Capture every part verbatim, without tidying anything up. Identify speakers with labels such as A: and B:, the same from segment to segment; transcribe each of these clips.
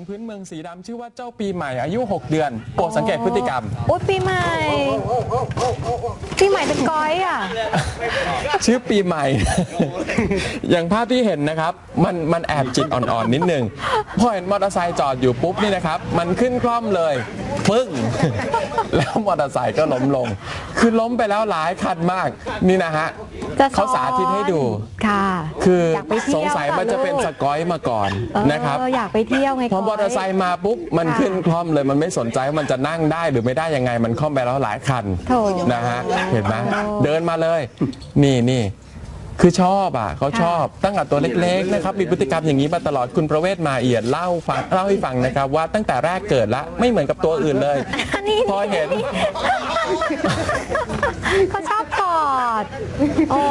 A: พื้นเมืองสีดำชื่อว่าเจ้าปีใหม่อายุหกเดือนโปรดสังเกตพฤติกรรม
B: โอ้ปีใหม่ปีใหม่เป็นก้อยอ่ะ
A: ชื่อปีใหม่ อย่างภาพที่เห็นนะครับมันมันแอบจิตอ่อนๆนิดนึงพอเห็นมอเตอร์ไซค์จอดอยู่ปุ๊บนี่นะครับมันขึ้นคล่อมเลยปึ้งแล้วมอเตอร์ไซค์ก็ล้มลงคือล้มไปแล้วหลายคันมากนี่นะฮะเขาสาธิตให้ดู
B: ค่ะ
A: คือสงสัยมันจะเป็นสกอยมาก่อนนะครับ
B: อยากไปเที่ยวไง
A: พอมอเตอร์ไซค์มาปุ๊บมันขึ้นคล่อมเลยมันไม่สนใจว่ามันจะนั่งได้หรือไม่ได้ยังไงมันคล่อมไปแล้วหลายคันนะฮะเห็นไหมเดินมาเลยนี่นี่คือชอบอ่ะเขาชอบตั้งแต่ตัวเล็กๆนะครับมีพฤติกรรมอย่างนี้มาตลอดคุณประเวศมาเอียดเล่าฟังเล่าให้ฟังนะครับว่าตั้งแต่แรกเกิดละไม่เหมือนกับตัวอื่นเลยพอเห็น
B: เขาชอบกอดโอ้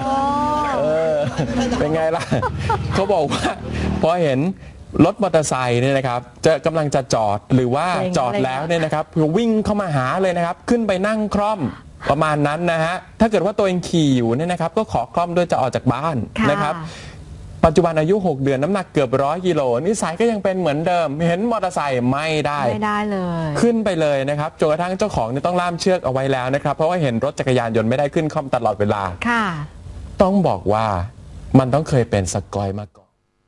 A: เป็นไงล่ะเขาบอกว่าพอเห็นรถมอเตอร์ไซค์เนี่ยนะครับจะกำลังจะจอดหรือว่าจอดแล้วเนี่ยนะครับวิ่งเข้ามาหาเลยนะครับขึ้นไปนั่งคร่อมประมาณนั้นนะฮะถ้าเกิดว่าตัวเองขี่อยู่เนี่ยนะครับก็ขอคล่อมด้วยจะออกจากบ้านนะครับปัจจุบันอายุหกเดือนน้ำหนักเกือบร้อยกิโลนิสัยก็ยังเป็นเหมือนเดิมเห็นมอเตอร์ไซค์ไม่ได้
B: ไม่ได้เลย
A: ขึ้นไปเลยนะครับจนกระทั่งเจ้าของเนี่ยต้องล่ามเชือกเอาไว้แล้วนะครับเพราะว่าเห็นรถจักรยานยนต์ไม่ได้ขึ้นคล่อมตลอดเวลา
B: ค่ะ
A: ต้องบอกว่ามันต้องเคยเป็นสกอยมาก่อน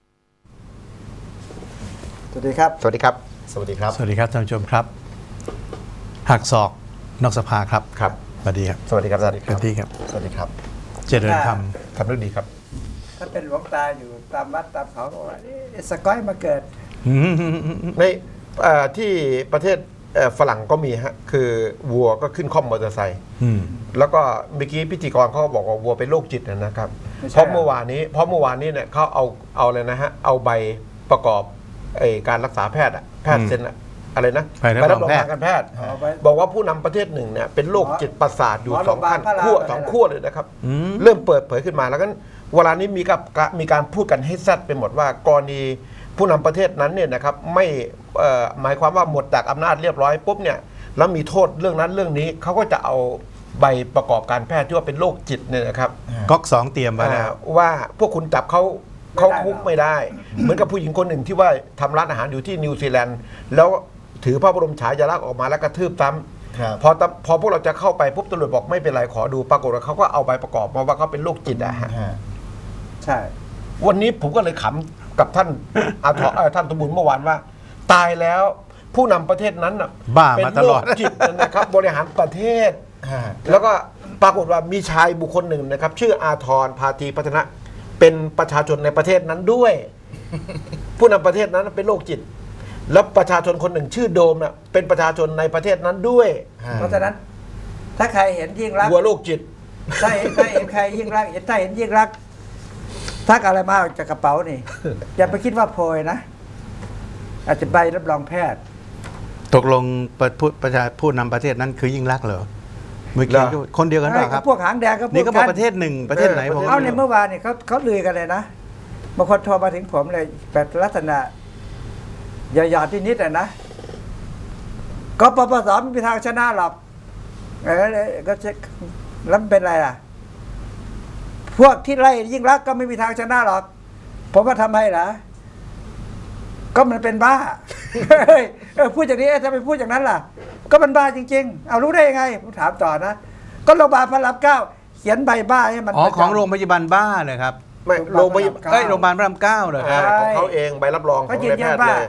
C: สวัสดีครับ
D: สวัสดีครับสวัสดีครับ
E: สวัสดีครับท่านผู้ชมครับหักศอกนอกสภาครับ
D: ครับ
E: สวัสดีครับ
D: สวัสดีครับสวัสดีครับ
E: ที่ครับ
D: สวัสดีครับ
E: เจริญธรรม
D: ทำเรื่องดีครับ
C: ถ้าเป็นหลวงตาอยู่ตามวัดตามเขาบอกว่าสกอยมาเกิด
D: ในที่ประเทศฝรั่งก็มีฮะคือวัวก็ขึ้นคล่อมมอเตอร์ไซค์แล้วก็เมื่อกี้พิธีกรเขาบอกว่าวัวเป็นโรคจิตนะครับเพราะเมื่อวานนี้เพราะเมื่อวานนี้เนี่ยเขาเอาเอาเลยนะฮะเอาใบประกอบไอ้การรักษาแพทย์อะแพทย์เซ็นอะไรนะ
E: ใบรับรองทาง
D: การแพทย์บอกว่าผู้นำประเทศหนึ่งเนี่ยเป็นโรคจิตประสาทอยู่สองขั้นขั้วสองขั้วเลยนะครับเริ่มเปิดเผยขึ้นมาแล้วก็เวลานี้มีกับมีการพูดกันให้แซดไปหมดว่ากรณีผู้นำประเทศนั้นเนี่ยนะครับไม่หมายความว่าหมดจากอำนาจเรียบร้อยปุ๊บเนี่ยแล้วมีโทษเรื่องนั้นเรื่องนี้เขาก็จะเอาใบประกอบการแพทย์ที่ว่าเป็นโรคจิตเนี่ยนะครับ
E: ก๊อกสองเตรียมไว้แล้ว
D: ว่าพวกคุณจับเขาเขาคุกไม่ได้เหมือนกับผู้หญิงคนหนึ่งที่ว่าทำร้านอาหารอยู่ที่นิวซีแลนด์แล้วถือพระบรมฉายาลักษณ์ออกมาแล้วกระทืบซ้ำพอพอพวกเราจะเข้าไปปุ๊บตำรวจบอกไม่เป็นไรขอดูปรากฏว่าเขาก็เอาใบประกอบมาว่าเขาเป็นโรคจิตอะฮะ
C: ใช่
D: วันนี้ผมก็เลยขำกับท่านอาทอท่านตบุญเมื่อวานว่าตายแล้วผู้นำประเทศนั้น
E: บ้ามาตลอด
D: จิตนะครับบริหารประเทศแล้วก็ปรากฏว่ามีชายบุคคลหนึ่งนะครับชื่ออาทรพาธีพัฒนะเป็นประชาชนในประเทศนั้นด้วยผู้นำประเทศนั้นเป็นโรคจิตแล้วประชาชนคนหนึ่งชื่อโดมน่ะเป็นประชาชนในประเทศนั้นด้วย
C: เพราะฉะนั้นถ้าใครเห็นยิ่งรัก
D: หัวโรคจิต
C: ถ้าเห็นถ้าเห็นใครยิ่งรักถ้าเห็นยิ่งรักทักอะไรมาจากกระเป๋านี่อย่าไปคิดว่าโพยนะอาจจะใบรับรองแพทย์
E: ตกลงผู้ประชาผู้นำประเทศนั้นคือยิ่งรักเหรอเมื่อกี้คนเดียวกันหรอครับ
C: พวกหางแดงก็
E: นี่ก็บอกประเทศหนึ่งประเทศไหนผม
C: เอาในเมื่อวานนี่เขาเขาลือกันเลยนะบางคนโทรมาถึงผมเลยแบบลักษณะหยาดๆที่นิดอ่ะนะก็ปปสไม่มีทางชนะหรอกเออก็เช็คแล้วเป็นไรล่ะพวกที่ไล่ยิ่งรักก็ไม่มีทางชนะหรอกผมว่าทำให้ล่ะก็มันเป็นบ้าเออพูดอย่างนี้ถ้าไปพูดอย่างนั้นล่ะก็มันบ้าจริงๆเอารู้ได้ยังไงผมถามต่อนะก็โรงพยาบาลพระรามเก้าเขียนใบบ้าให้มัน
E: อ๋อของโรงพยาบาลบ้าเลยครับ
D: ไม่โรงพยาบาล
E: เอ้ยโรงพยาบาลพระรามเก้าเลยครับ
D: ของเขาเองใบรับรองของแพทย์เลย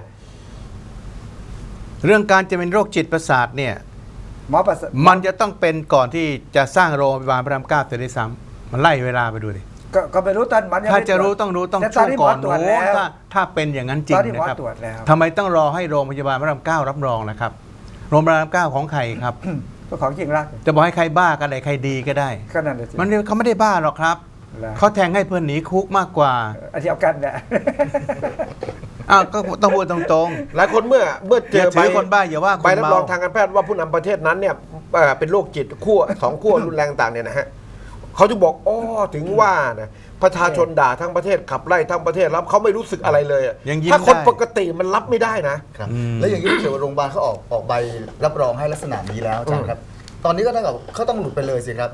E: เรื่องการจะเป็นโรคจิตประสาทเนี่ย
C: หมอประสาท
E: มันจะต้องเป็นก่อนที่จะสร้างโรงพยาบาลพระรามเก้าจะได้ซ้ำมันไล่เวลาไปดูดิ
C: ก็ไม่รู้ตอนมัน
E: ถ้าจะรู้ต้องรู้ต้องช่วงก่อนนู้นถ้าถ้าเป็นอย่างนั้นจริงนะครับทำไมต้องรอให้โรงพยาบาลพระรามเก้ารับรองนะครับโรงพยาบาลพระรามเก้าของใครครับ
C: ก็ของจริงรัก
E: จะบอกให้ใครบ้ากันไหนใครดีก็ได้
C: ก็นั่นแหละ
E: มันเขาไม่ได้บ้าหรอกครับเขาแทงให้เพื่อนหนีคุกมากกว่า
C: อันเดียวกันแหละ
E: อ้าวก็ต้องพูดตรง
D: ๆหลายคนเมื่อเมื่อเจอใบ
E: คนบ้าอย่าว่า
D: ใบรับรองทางการแพทย์ว่าผู้นำประเทศนั้นเนี่ยเป็นโรคจิตขั้วสองขั้วรุนแรงต่างเนี่ยนะฮะเขาจะบอกอ๋อถึงว่านะประชาชนด่าทั้งประเทศขับไล่ทั้งประเทศแล้วเขาไม่รู้สึกอะไรเลยถ้าคนปกติมันรับไม่ได้นะ
F: แล้วอย่างนี้เกี่ยวกับโรงพยาบาลเขาออกออกใบรับรองให้ลักษณะนี้แล้วอาจารย์ครับตอนนี้ก็เท่ากับเขาต้องหลุดไปเลยสิครับ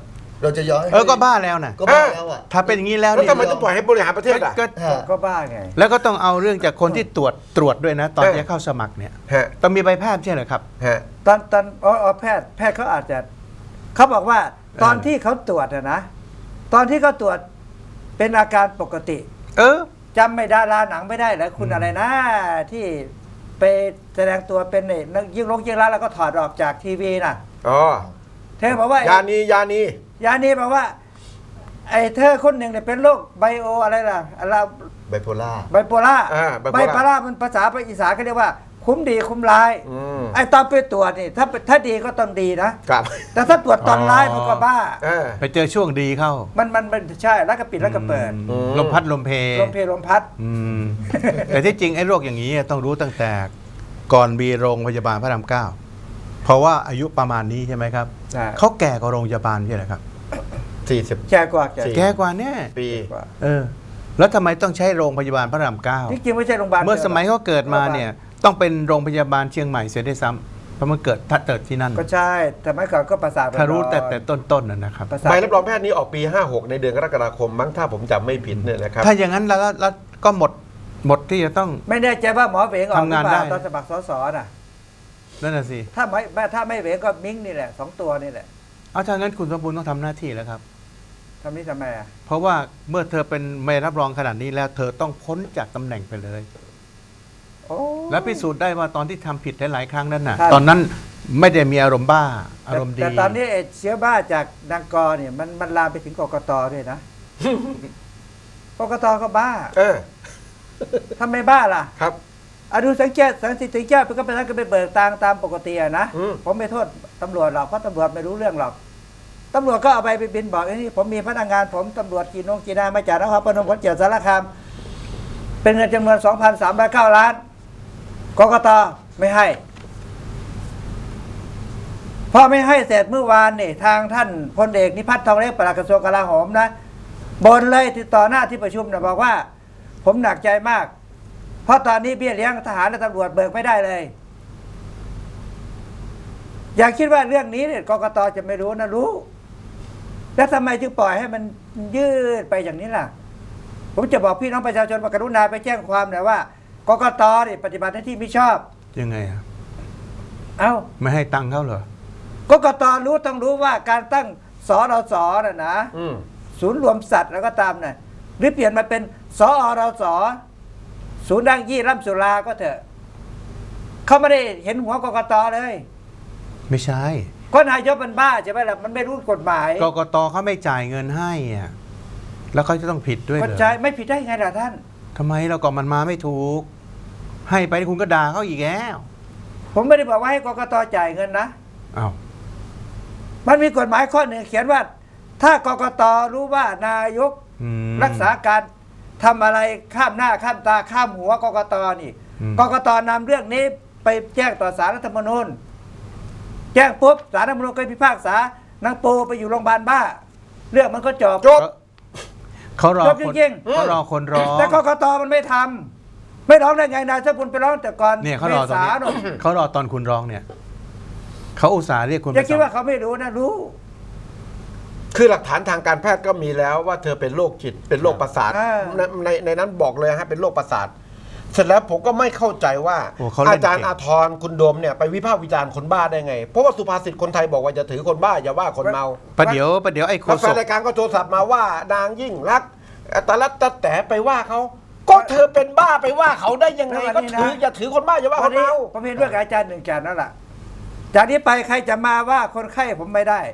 F: เราจะย้อนให้
E: เออก็บ้าแล้วนะ
F: ก็บ้าแล้วอ่ะ
E: ถ้าเป็นอย่างนี้แล้ว
D: แล้ว
E: นี่
D: ทำไมต้องปล่อยให้บริหารประเทศอ่ะ
E: ก็
F: ฮะ
C: ก็บ้าไง
E: แล้วก็ต้องเอาเรื่องจากคนที่ตรวจตรวจด้วยนะ ตอน
D: เออ
E: จะเข้าสมัครเนี่ย
D: ฮะ
E: ต้องมีใบแพทย์ใช่เหรอครับ
D: ฮะ
C: ตอนตอนอ๋ออ๋อแพทย์แพทย์เขาอาจจะเขาบอกว่าตอนที่เขาตรวจอะนะตอนที่เขาตรวจเป็นอาการปกติ
E: เออ
C: จำไม่ดาราหนังไม่ได้แล้วคุณอะไรนะ ที่ไปแสดงตัวเป็นเนี่ยนักยิ่งลงยิ่งรักแล้วก็ถอดออกจากทีวีน่ะ
D: อ๋อ
C: เธอบอกว่าย
D: านียานี
C: ยานีบอกว่า ไอ้เธอคนหนึ่งเนี่ยเป็นโรคไบโออะไรล่ะอะไร
F: ไบโพล่า
C: ไบโพล่า
D: อ่า
C: ไบ
D: bipolar
C: โพล่ามันภาษาอีสานเขาเรียกว่า คุ้มดีคุ้มร้าย
D: อืม
C: ไอ้ตอนไปตรวจนี่ถ้าถ้าดีก็ต้องดีนะ
D: ครับ
C: แต่ถ้าตรวจตอนร้ายมันก็บ้า
D: เออ
E: ไปเจอช่วงดีเข้า
C: มันมันมันใช่แล้วก็ปิดแล้วก็เปิด
E: อืมลมพัดลมเพ
C: ลมเพลลมพัด
E: อืมแต่ที่จริงไอ้โรคอย่างนี้ต้องรู้ตั้งแต่ก่อนมีโรงพยาบาลพระรามเก้าเพราะว่าอายุประมาณนี้ใช่ไหมครับ
C: ใช่
E: เขาแก่กว่าโรงพยาบาลใช่ไหมครับ
D: สี่สิบ
C: แก่กว่าแก่
D: สี่
E: แก่กว่าเนี่ย
D: ปี
C: กว่า
E: เออ แล้วทำไมต้องใช้โรงพยาบาลพระรามเก้า
C: ที่จริงไม่ใช่โรงพยาบาล
E: เมื่อสมัยเขาเกิดมาเนี่ย ต้องเป็นโรงพยาบาลเชียงใหม่เสียได้วยซ้ำเพราะมันเกิดทัดเติดที่นั่น
C: ก็ใช่แต่เมื่อก่อนก็ประสาท
E: ถ้ารู้แต่แต่ต้นๆน่ะนะครับ
C: ประสาท
D: ใบรับรองแพทย์นี้ออกปี ห้าหก ในเดือนกรกฎาคมมั้งถ้าผมจำไม่ผิดเนี่ยนะครับ
E: ถ้าอย่างนั้นแล้วแล้วก็หมดหมดที่จะต้อง
C: ไม่แน่ใจว่าหมอเหวงออกหรื
E: ทำงา
C: อน เปล่า
E: ได้
C: ตอนสมัครสสน่ะ
E: นั่นน่ะสิ
C: ถ้าไม่ไม่ถ้าไม่เหวงก็มิ้งนี่แหละสองตัวนี่แหละ
E: เอาถ้างั้นคุณสมบูรณ์ต้องทำหน้าที่แล้วครับ
C: ทำนี่ทำไมอ่ะ
E: เพราะว่าเมื่อเธอเป็นไม่รับรองขนาดนี้แล้ว เธอต้องพ้นจากตำแหน่งไปเลย
C: โอ้
E: และพิสูจน์ได้ว่าตอนที่ทำผิดหลายๆครั้งนั้นน่ะ
C: ครับ
E: ตอนนั้นไม่ได้มีอารมณ์บ้า อารมณ์ดี
C: แต่ตอนนี้ไอ้เชื้อบ้าจากนางกอเนี่ยมันมันลามไปถึงกกตด้วยนะ กกตก็บ้า
D: เออ
C: ทำไมบ้าล่ะ
D: ครับ
C: อะดูสังเกตสังสิทธิ์ถึงเจ้าไปก็ไปนั่นก็ไปเบิกตังค์ตามปกติอะนะ
D: อืม
C: ผมไม่โทษตำรวจหรอกเพราะตำรวจไม่รู้เรื่องหรอกตำรวจก็เอาไปไปบินบอกไอ้นี่ผมมีพนักงาน ผมตำรวจกี่นงกี่นายมาจากนครพนมขอนแก่นสารคาม เป็นเงินจำนวน สองพันสามร้อยเก้า ล้านกกตไม่ให้พอไม่ให้เสร็จเมื่อวานนี่ทางท่านพลเอกนิพัฒน์ทองเล็กปลัดกระทรวงกลาโหมนะบนเลยติดต่อหน้าที่ประชุมนะบอกว่า ผมหนักใจมาก เพราะตอนนี้เบี้ยเลี้ยงทหารและตำรวจเบิกไม่ได้เลย อย่าคิดว่าเรื่องนี้เนี่ยกกตจะไม่รู้นะรู้ แล้วทำไมจึงปล่อยให้มันยืดไปอย่างนี้ล่ะ ผมจะบอกพี่น้องประชาชนว่ากรุณาไปแจ้งความหน่อยว่ากกตเนี่ยปฏิบัติหน้าที่ไม่ชอบ
E: ยังไงอะ
C: เอ้า
E: ไม่ให้ตังค์เขาเหรอ
C: กกตรู้ต้องรู้ว่าการตั้งสอรสน่ะนะ
D: อืม
C: ศูนย์รวมสัตว์แล้วก็ตามน่ะหรือเปลี่ยนมาเป็นสอรสศูนย์ดังยี่ร่ำสุราก็เถอะเขาไม่ได้เห็นหัวกกตเลย
E: ไม่ใช่
C: ก็นายกมันบ้าใช่ไหมล่ะมันไม่รู้กฎหมาย
E: กกตเขาไม่จ่ายเงินให้อะแล้วเขาจะต้องผิดด้วยเห
C: ก็
E: รอ
C: ใช่ไม่ผิดได้ไงล่ะท่าน
E: ทำไมเราก็มันมาไม่ถูก ให้ไปคุณก็ด่าเขาอีกแล้ว
C: ผมไม่ได้บอกว่าให้กกตจ่ายเงินนะ
E: อ้าว
C: มันมีกฎหมายข้อหนึ่งเขียนว่า ถ้ากกตรู้ว่านายก
E: อืม
C: รักษาการทำอะไรข้ามหน้าข้ามตาข้ามหัวกกตนี่
E: อืม
C: กกตนำเรื่องนี้ไปแจ้งต่อศาลรัฐธรรมนูญแจ้งปุ๊บศาลรัฐธรรมนูญก็พิพากษานางปูไปอยู่โรงพยาบาลบ้า เรื่องมันก็จบ
D: จบ
E: เขารอ
C: จบ
E: คน
C: จริง
E: เขารอคนร้อง
C: แต่กกตมันไม่ทำไม่ร้องได้ไงนายถ้าคุณไปร้องแต่ก่อน
E: เนี่ยเขารอตอน
C: ษา
E: นี้
C: หน่อย
E: เขารอตอนคุณร้องเนี่ยเขาอุตส่าห์เรียกคุณ
C: อย่า
E: ไป
C: คิด
E: สอบ
C: ว่าเขาไม่รู้นะรู้
D: คือหลักฐานทางการแพทย์ก็มีแล้วว่าเธอเป็นโรคจิตเป็นโรคประสาท
C: อ่า
D: ในในในนั้นบอกเลยฮะเป็นโรคประสาท เสร็จแล้วผมก็ไม่เข้าใจว่า
E: โอ้เขาเล่น
D: อาจารย์
E: เก่ง
D: อาทรคุณโดมเนี่ยไปวิพากษ์วิจารณ์คนบ้าได้ไง เพราะว่าสุภาษิตคนไทยบอกว่าจะถือคนบ้าอย่าว่าคนเมา
E: ประเดี๋ยวประเดี๋ยวไอ้โค
D: แล้วแฟ
E: ศ
D: น
E: ก
D: รายการก็โทรศัพท์มาว่านางยิ่งรักษณ์ตะลัดตะแต่ไปว่าเขาก็เธอเป็นบ้าไปว่าเขาได้ยังไงก็ถืออย่าถือคนบ้าอย่าว่าค
C: วัน
D: น
C: นี้
D: เมา
C: ผมเห็นด้วยกับอาจารย์หนึ่งจานนั่นแหละจากนี้ไปใครจะมาว่าคนไข้ผมไม่ได้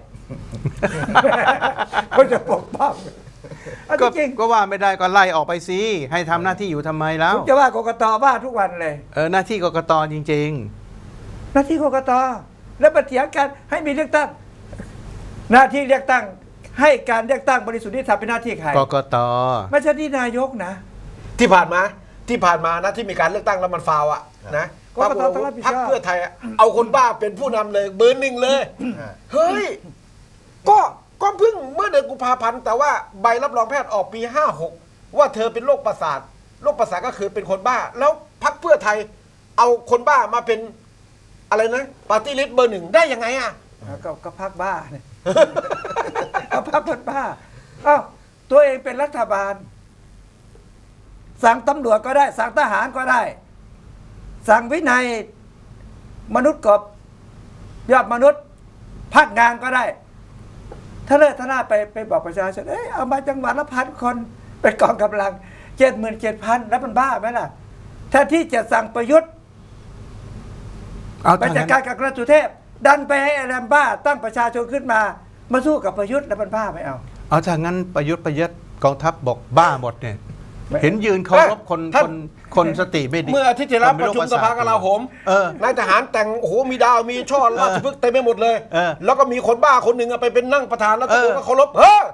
C: เขาจะปกป้องเอา
E: ก็
C: จริง
E: ก็ว่าไม่ได้ก็ไล่ออกไปสิให้ทำหน้าที่อยู่ทำไมแล้
C: ๆ
E: ว
C: ผมจะว่ากกตบ้าทุกวันเลย
E: เออหน้าที่กกตจริง
C: หน้าที่กกตแล้วมาเถียงกันให้มีเลือกตั้ง หน้าที่เลือกตั้ง ให้การเลือกตั้งบริสุทธิ์ยุติธรรมเป็นหน้าที่ใคร
E: ๆ กกต
C: ไม่ใช่ที่นายกนะ
D: ที่ผ่านมาที่ผ่านมานะที่มีการเลือกตั้งแล้วมันฟาวอะนะ
C: ก็ต้องต้องรับผิดชอบ
D: พรรคเพื่อไทยอะเอาคนบ้าเป็นผู้นำเลยเบอร์หนึ่งเลย เฮ้ย ก็ก็เพิ่งเมื่อเดือนกุมภาพันธ์แต่ว่าใบรับรองแพทย์ออกปีห้าหกว่าเธอเป็นโรคประสาทโรคประสาทก็คือเป็นคนบ้า แล้วพรรคเพื่อไทย เอาคนบ้ามาเป็นอะไรนะปาร์ตี้ลิสต์เบอร์หนึ่งได้ยังไงอะ
C: ก็ก็พักบ้าเนี่ย เอเอาพรรคคนบ้าเอ้าตัวเองเป็นรัฐบาล สั่งตำรวจก็ได้ สั่งทหารก็ได้ สั่งวินัยมนุษย์กบยอดมนุษย์พักงานก็ได้ ถ้าเลิกท่านาไปไปบอกประชาชนเอ้ยเอามาจังหวัดละพันคนเป็นกองกำลังเจ็ดหมื่นเจ็ดพันแล้วมันบ้าไหมล่ะแทนที่จะสั่งประยุทธ์
E: เอา
C: ไป
E: ทาง
C: จัด
E: นั้น
C: การกับกระสุเทพ ดันไปให้ไอ้แรมบ้า ตั้งประชาชนขึ้นมา มาสู้กับประยุทธ์แล้วมันบ้าไม่เอา
E: เอาทางนั้นประยุทธ์ประยุทธ์กองทัพบอกบ้าหมดเนี่ย
C: ไม่
E: เห็นยืนเคารพคน
D: ท่า
E: คน นคนสติไม่ดี
D: เมื่ออาทิตย์ที่แล้ว
E: คน
D: ป
E: ไม่
D: ระชุม
E: โค
D: สภากลาโหม
E: เออ
D: นายทหารแต่งโอ้โหมีดาวมีช่อราชพฤกษ์เต็มไปหมดเลย
E: เออ
D: แล้วก็มีคนบ้าคนหนึ่งอะไปเป็นนั่งประธานแล้วตะโกน
E: เออ
D: ว่าเคารพเฮ้อ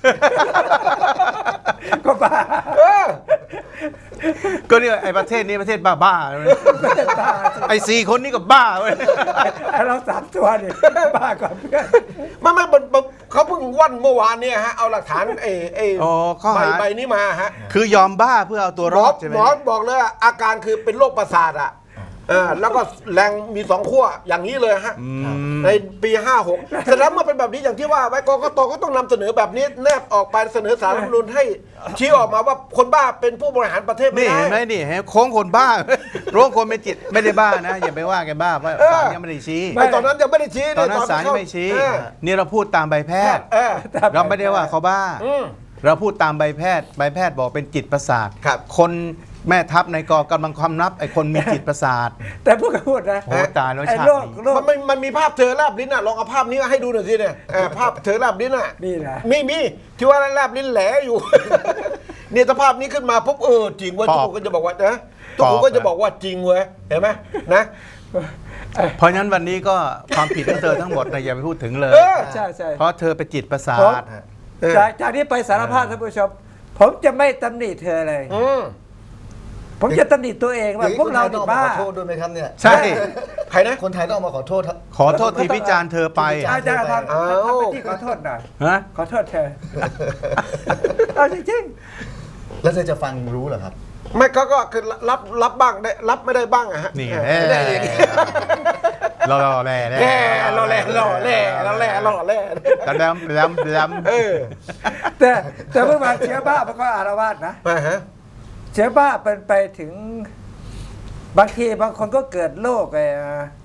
C: ก็บ้า
D: เออ
E: ก็เนี่ยไอ้ประเทศนี้ประเทศบ้าบ้าๆเลยไอ้สี่คนนี้ก็บ้าเว้ย
C: ไอ้เราสามตัวนี่บ้าก่อนเพื่อน
D: ไม่ไม่มันมันเขาเพิ่งวันเมื่อวานเนี่ยฮะเอาหลักฐานเอเอ
E: อ๋อข้อ
D: ใบ
E: หา
D: ใบนี้มาฮะ
E: คือยอมบ้าเพื่อเอาตัว
D: ห
E: ร
D: มอ
E: อดใช่ไหม
D: หมอบอกเลยอะอาการคือเป็นโรคประสาทอ่ะเออแล้วก็แรงมีสองขั้วอย่างนี้เลยฮะ ในปี ห้าหกแสดงเมื่อเป็นแบบนี้อย่างที่ว่าไว้กกตก็ต้องนำเสนอแบบนี้แนบออกไปเสนอสารรัฐธรรมนูญให้ชี้ออกมาว่าคนบ้าเป็นผู้บริหารประเทศไม่
E: นี่
D: ได้
E: เห็นไหมนี่เห็นโค้งคนบ้า โค้งคนเป็นจิตไม่ได้บ้านะ อย่าไปว่าแกบ้าเพราะ
D: เออ
E: ศาลยังไม่ได้ชี้
D: ไม่ตอนนั้นยังไม่ได้ชี้
E: ตอนนั้น
D: ที่
E: ศาลยัง
D: เข้
E: ไม่ชี้
D: เออ
E: นี่เราพูดตามใบแพทย์
D: เออ
E: เราไม่ได้ว่าเขาบ้า
D: อืม
E: เราพูดตามใบแพทย์ ใบแพทย์บอกเป็นจิตประสาท
D: ครับ
E: คนแม่ทัพในกองกำลังความนับไอ้คนมีจิตประสาท
C: แต่พูดก็พูดนะ
E: โอ้ตายแล้ว
C: ไอ้
E: ชาติ
C: โรค
E: นี้
C: โรค
D: มันมันมันมีภาพเธอแลบลิ้นอ่ะลองเอาภาพนี้ให้ดูหน่อยสิเนี่ยเออภาพเธอแลบลิ้นอ่ะ
C: นี่นะ
D: มีมีที่ว่าแลบลิ้นแหลอยู่ เนี่ยถ้าภาพนี้ขึ้นมาปุ๊บเออจริงเว้ย
E: ป
D: ทุก
E: อบ
D: คนก็จะบอกว่านะทุกคน
E: ปอบ
D: ก็จะบอกว่าจริงเว้ยเห็นไหมนะ
E: เพราะฉะนั้นวันนี้ก็ความผิดของเธอทั้งหมดนะอย่าไปพูดถึงเลย
D: เออ
C: ใช่ใช่
E: เพราะเธอเป็นจิตประสา
C: ผม
E: ท
D: เออ
C: จากจากนี้ไปสารภาพท่านผู้ชม ผมจะไม่ตำหนิเธอเลย
D: อืม
C: ผมจะตำหนิตัวเองว่าพวกเรา
F: ต้
C: เนี่
F: อง
C: ย
F: ออกมา
C: บ้า
F: ขอโทษด้วยไหมครับเนี่ย
E: ใช่
D: ใครนะ
F: คนไทยต้องออกมาขอโทษครับ
E: ขอโทษที่พิจารณ์เธอไป
C: อาจารย์ทำ
D: อ้าว
C: ทำไปที่ขอโทษหน่อย
E: ฮะ
C: ขอโทษเธอ เอาจริง
F: แล้วเธอจะฟังรู้เหรอครับ
D: ไม่ก็ก็คือรับรับบ้างได้รับไม่ได้บ้างอะฮะ
E: นี่
D: เอ
E: แน่
D: อได้เอง
E: รอรอแร่แร่
D: แล่รอแล่รอแล่รอแล่รอแล่
E: ดำดำดำด
D: เออ
C: ๆ แต่แต่เมื่อวานเชื้อบ้ามันก็อารวาสนะ
D: มาฮะ
C: เชื้อบ้าเป็นไปถึง บางทีบางคนก็เกิดโรคไอ้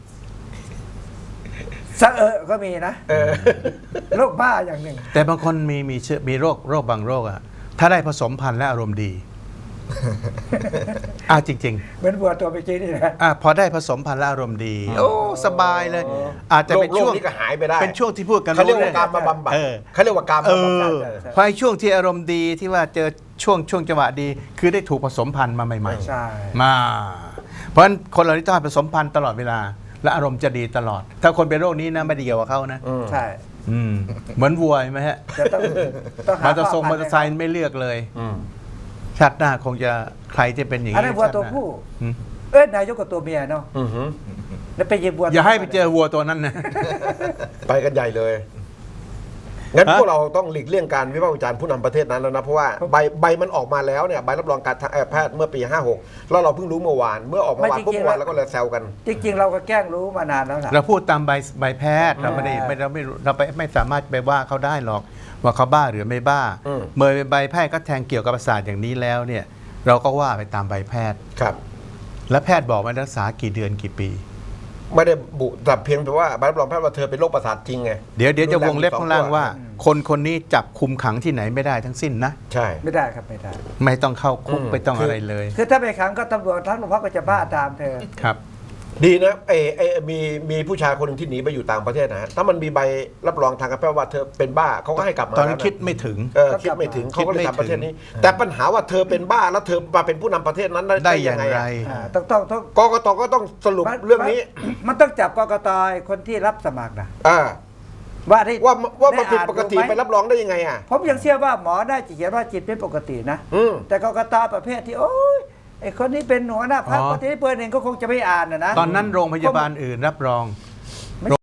C: สะเอะก็มีนะ
D: เออ
C: โรคบ้าอย่างหนึ่ง
E: ำแต่บางคนมีมีเชื้อมีโรคโรคบางโรคอะถ้าได้ผสมพันธุ์และอารมณ์ดีอ่าจริง
C: เหมือนบัวตัวเมื่อกี้นี่นะ
E: ๆอ่าพอได้ผสมพันธุ์และอารมณ์ดี โอ้สบายเลย อาจจะเป็น
D: โรค
E: ช่วง
D: นี้ก็หายไปได้
E: เป็นช่วงที่พูดกัน
D: เขาเรียก
E: รู้
D: ว่าการมาบำบัด
E: เออ
D: เขาเรียกว่าการ
E: เอ
D: มาบำบัด
E: อเพราะไอ้ช่วงที่อารมณ์ดีที่ว่าเจอช่วงช่วงจังหวะดี คือได้ถูกผสมพันธุ์มาใหม่
C: ใช่
E: ๆ มา เพราะฉะนั้นคนเราที่ต้องผสมพันธุ์ตลอดเวลา และอารมณ์จะดีตลอด ถ้าคนเป็นโรคนี้นะไม่ได้เกี่ยวกับเขานะ
C: ใช่
E: อืมเหมือนวัวเห็นไหมฮะ
C: จะต้องต้องหาม
E: อเตอร์ทรง
C: พ่
E: มอ
C: พั
E: เตอร์ไซ
C: ธุ์
E: ค์ไม่เลือกเลย
D: อืม
E: ชาติหน้าคงจะใครจะเป็นอย่าง
C: อัน
E: นี้
C: นั้นวัว
E: ชาติ
C: ตัว
E: หน้า
C: ผู้
E: อืม
C: เอ้ยนายกกับตัวเมียเนาะ
D: อือหือ
C: แล้วไปยิบวัว
E: อย่าให้ไปเจอวัวตัวนั้นนะ
D: ไปกันใหญ่เลย งั้น
E: ฮะ
D: พวกเราต้องหลีกเลี่ยงการวิพากษ์วิจารณ์ผู้นำประเทศนั้นแล้วนะ เพราะว่าใบใบมันออกมาแล้วเนี่ยใบรับรองการแพทย์เมื่อปี ห้าหก แล้วเราเพิ่งรู้เมื่อวาน เมื่อออกเมื่อวานปุ๊บเมื่อวานแล้วก็เลยแซวกัน
C: จริงๆ เราก็แกล้งรู้มานานแล้วล่ะ
E: เราพูดตามใบใบแพทย์เราไม่ได้
C: อ่า
E: ไม่เราไม่รู้เราไปไม่สามารถไปว่าเขาได้หรอก ว่าเขาบ้าหรือไม่บ้า
D: อืม
E: เมื่อใบแพทย์ก็แทงเกี่ยวกับประสาทอย่างนี้แล้วเนี่ย เราก็ว่าไปตามใบแพทย์
D: ครับ
E: และแพทย์บอกว่ารักษากี่เดือนกี่ปี
D: ไม่ได้บุแต่เพียงแต่ว่าใบรับรองแพทย์ว่าเธอเป็นโรคประสาทจริงไง
E: เดี๋ยวเดี๋ยวจะวงเล็บ
D: รุ
E: ข้าง
D: แร
E: ล่าง
D: มีสอ
E: ว่า คนคนนี้จับคุมขังที่ไหนไม่ได้ทั้งสิ้นนะ
D: ใช่
C: ไม่ได้ครับไม่ได้
E: ไม่ต้องเข้าคุก
D: อืม
E: ไม่ต้อง
D: คืออ
E: อะไรเลย
C: คือถ้าไปขังก็ตำรวจทั้งโรงพักก็จะบ้าตามเธอ
E: ครับ
D: ดีนะเอเอมีมีผู้ชายคนหนึ่งที่หนีไปอยู่ต่างประเทศนะฮะถ้ามันมีใบรับรองทางการแพทย์ว่าเธอเป็นบ้าเขาก็ให้กลับมา
E: ตอนนั้น
D: แล้วะ
E: คิดไม่ถึง
D: เออคิดไม่ถึงเขาก็เลยทำประเทศนี้ แต่ปัญหาว่าเธอเป็นบ้าแล้วเธอมาเป็นผู้นำประเทศนั้น
E: ได้อย่างไร
C: อ่าต้องต้องต้อง
D: กกตก็ต้องสรุปเรื่องนี้
C: มันต้องจับกกตคนที่รับสมัครนะ
D: อ่า
C: ว่าที่
D: ว่าว่ามัน
C: ไ
D: ผิดปกติ
C: อ่าน
D: ไป
C: ดูหม
D: รับรองได้ยังไงอ่ะ
C: ผมยังเชื่อว่าหมอได้จะเขียนว่าจิตเป็นปกตินะ
D: อืม
C: แต่กกตประเภทที่โอ้ยไอคนนี้เป็นหัวหน้าพรรค
E: อ๋อ
C: ประเทศเปิดเองก็คงจะไม่อ่านนะนะ
E: ตอนนั้นโรงพยาบาลอื่นรับรอง